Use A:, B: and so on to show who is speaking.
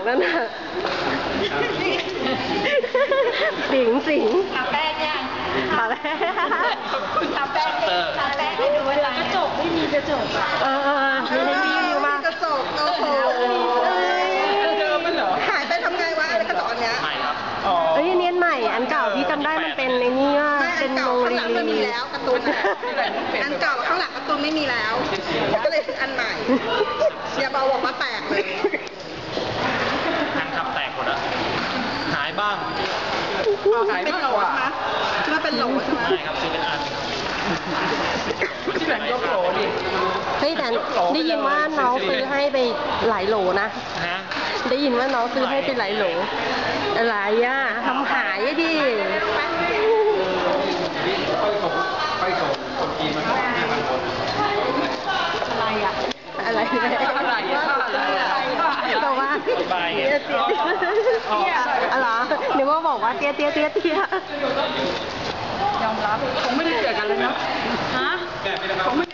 A: นั่นน่ะสิง
B: ทาแป้งยัง
A: ทาแป้ง
B: ทาแป้งให้ดูเวลากระจกไม่มีกระจก
A: มีมาก
C: กระจกโอ้โหเดิมมันเหรอหายไปทำไงวะอะไรกระจกอันเนี้ย
D: ใหม่ครับ
A: เอ้ยเนียนใหม่อันเก่าที่จำได้มันเป็นในนี้ว่าเป็นโมลี
C: ไม่มีแล้วการ์ตูนอันเก่าข้างหลังการ์ตูนไม่มีแล้วก็เลยอันใหม่อย่าบอกว่าแตกเลย
D: แฟนคลับแตกหมดอ่ะหายบ้าง
C: หายเป็นโหลนะคิดว่าเป็นโหลใช่ไหม
D: ใช่ครับซื้อเป็นอันที่แบ่งยกโหลดิ
A: เฮ้ยแต่ได้ยินว่าน้องซื้อให้ไปหลายโหลนะได้ยินว่าน้องซื้อให้ไปหลายโหลอะไรอ่ะทำหายดิ
D: ไปส่งคนจีนมา5,000 คน
A: อะไรบอกว่าอะไรหรือว่าบอกว่าเตี้ย
B: ยอมรับ
C: คงไม่ได้เจอกันเลยนะฮะ